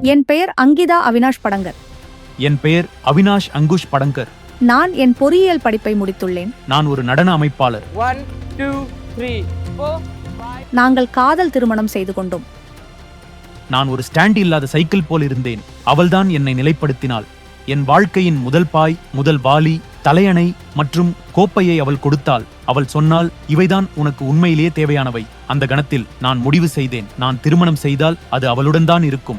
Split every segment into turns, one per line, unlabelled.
என் பெயர் அங்கிதா அவினாஷ் படங்கர்.
என் பெயர் அவினாஷ் அங்குஷ் படங்கர்.
நான் என் பொறியியல் படிப்பை முடித்துள்ளேன்.
நான் ஒரு நடன அமைப்பாளர்.
1 2 3 4 5
நாங்கள் காதல் திருமணம் செய்து கொண்டோம்.
நான் ஒரு ஸ்டாண்ட் இல்லாத சைக்கிள் போல் இருந்தேன். அவள்தான் என்னை நிலைப்படுத்தினாள். என் வாழ்க்கையின் முதல் பாய், முதல் வாளி, தலையணை மற்றும் கோப்பையை அவள் கொடுத்தாள். அவள் சொன்னால், இவைதான் உனக்கு உண்மையிலேயே தேவையானவை. அந்த கணத்தில் நான் முடிவு செய்தேன், நான் திருமணம் செய்தால் அது அவளுடன் தான் இருக்கும்.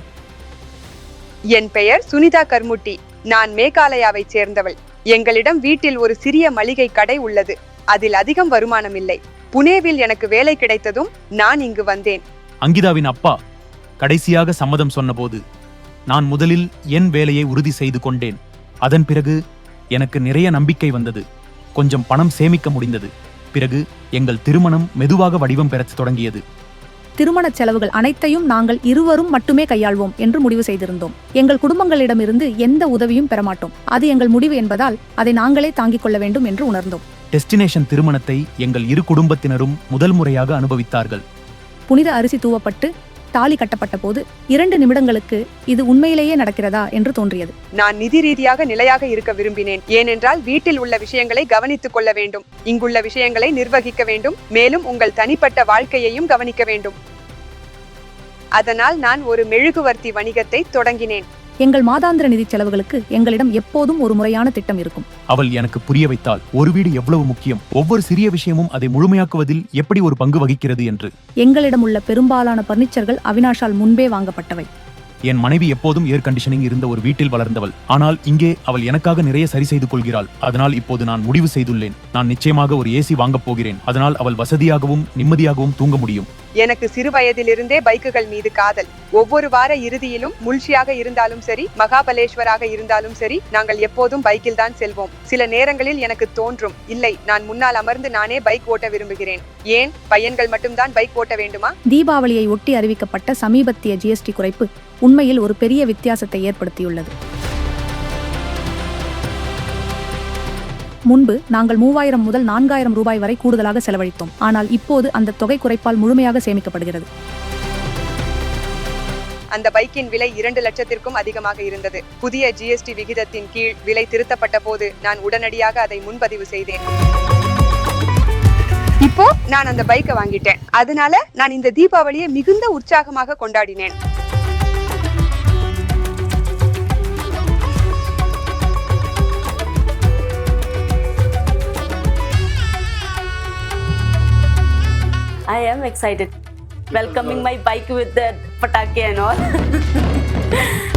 என் பெயர் சுனிதா கர்முட்டி. நான் மேகாலயாவைச் சேர்ந்தவள். எங்களிடம் வீட்டில் ஒரு சிறிய மளிகை கடை உள்ளது. அதில் அதிகம் வருமானம் இல்லை. புனேவில் எனக்கு வேலை கிடைத்ததும் நான் இங்கு வந்தேன்.
அங்கிதாவின் அப்பா கடைசியாக சம்மதம் சொன்னபோது நான் முதலில் என் வேலையை உறுதி செய்து கொண்டேன். அதன் பிறகு எனக்கு நிறைய நம்பிக்கை வந்தது. கொஞ்சம் பணம் சேமிக்க முடிந்தது. பிறகு எங்கள் திருமணம் மெதுவாக வடிவம் பெறத் தொடங்கியது.
திருமண செலவுகள் அனைத்தையும் நாங்கள் இருவரும் மட்டுமே கையாள்வோம் என்று முடிவு செய்திருந்தோம். எங்கள் குடும்பங்களிடமிருந்து எந்த உதவியும் பெறமாட்டோம். அது எங்கள் முடிவு என்பதால் அதை நாங்களே தாங்கிக் கொள்ள வேண்டும் என்று உணர்ந்தோம்.
டெஸ்டினேஷன் திருமணத்தை எங்கள் இரு குடும்பத்தினரும் முதல் முறையாக அனுபவித்தார்கள்.
புனித அரிசி தூவப்பட்டு தாலி கட்டப்பட்ட போது 2 நிமிடங்களுக்கு இது உண்மையிலேயே நடக்கிறதா என்று தோன்றியது.
நான் நிதி ரீதியாக நிலையாக இருக்க விரும்பினேன். ஏனென்றால் வீட்டில் உள்ள விஷயங்களை கவனித்துக் கொள்ள வேண்டும், இங்குள்ள விஷயங்களை நிர்வகிக்க வேண்டும், மேலும் உங்கள் தனிப்பட்ட வாழ்க்கையையும் கவனிக்க வேண்டும். அதனால் நான் ஒரு மெழுகுவர்த்தி வணிகத்தை தொடங்கினேன்.
எங்கள் மாதாந்திர நிதி செலவுகளுக்கு எங்களிடம் எப்போதும் ஒரு முறையான திட்டம் இருக்கும்.
அவள் எனக்கு புரிய வைத்தாள், ஒரு வீடு எவ்வளவு முக்கியம், ஒவ்வொரு சிறிய விஷயமும் அதை முழுமையாக்குவதில் எப்படி ஒரு பங்கு வகிக்கிறது என்று.
எங்களிடம் உள்ள பெரும்பாலான பர்னிச்சர்கள் அவினாஷால் முன்பே வாங்கப்பட்டவை.
என் மனைவி எப்போதும் ஏர் கண்டிஷனிங் இருந்த ஒரு வீட்டில் வளர்ந்தவள். ஆனால் இங்கே அவள் எனக்காக நிறைய சரி செய்து கொள்கிறாள். அதனால் இப்போது நான் முடிவு செய்துள்ளேன், நான் நிச்சயமாக ஒரு ஏசி வாங்கப் போகிறேன். அதனால் அவள் வசதியாகவும் நிம்மதியாகவும் தூங்க முடியும்.
எனக்கு சிறு வயதிலிருந்தே பைக்குகள் மீது காதல். ஒவ்வொரு வார இறுதியிலும் முல்ஷியாக இருந்தாலும் சரி, மகாபலேஸ்வராக இருந்தாலும் சரி, நாங்கள் எப்போதும் பைக்கில் தான் செல்வோம். சில நேரங்களில் எனக்கு தோன்றும், இல்லை, நான் முன்னால் அமர்ந்து நானே பைக் ஓட்ட விரும்புகிறேன். ஏன் பையன்கள் மட்டும்தான் பைக் ஓட்ட வேண்டுமா?
தீபாவளியை ஒட்டி அறிவிக்கப்பட்ட சமீபத்திய GST குறைப்பு உண்மையில் ஒரு பெரிய வித்தியாசத்தை ஏற்படுத்தியுள்ளது. முன்பு நாங்கள் 3000 முதல் 4000 ரூபாய் வரை கூடுதலாக செலவழித்தோம். ஆனால் இப்போது அந்த தொகை குறைப்பால் முழுமையாக சேமிக்கப்படுகிறது.
அந்த பைக்கின் விலை 2 லட்சத்திற்கும் அதிகமாக இருந்தது. புதிய GST விகிதத்தின் கீழ் விலை திருத்தப்பட்ட போது நான் உடனடியாக அதை முன்பதிவு செய்தேன். இப்போ நான் அந்த பைக்கை வாங்கிட்டேன். அதனால நான் இந்த தீபாவளியை மிகுந்த உற்சாகமாக கொண்டாடினேன்.
I am excited welcoming my bike with the patake and all.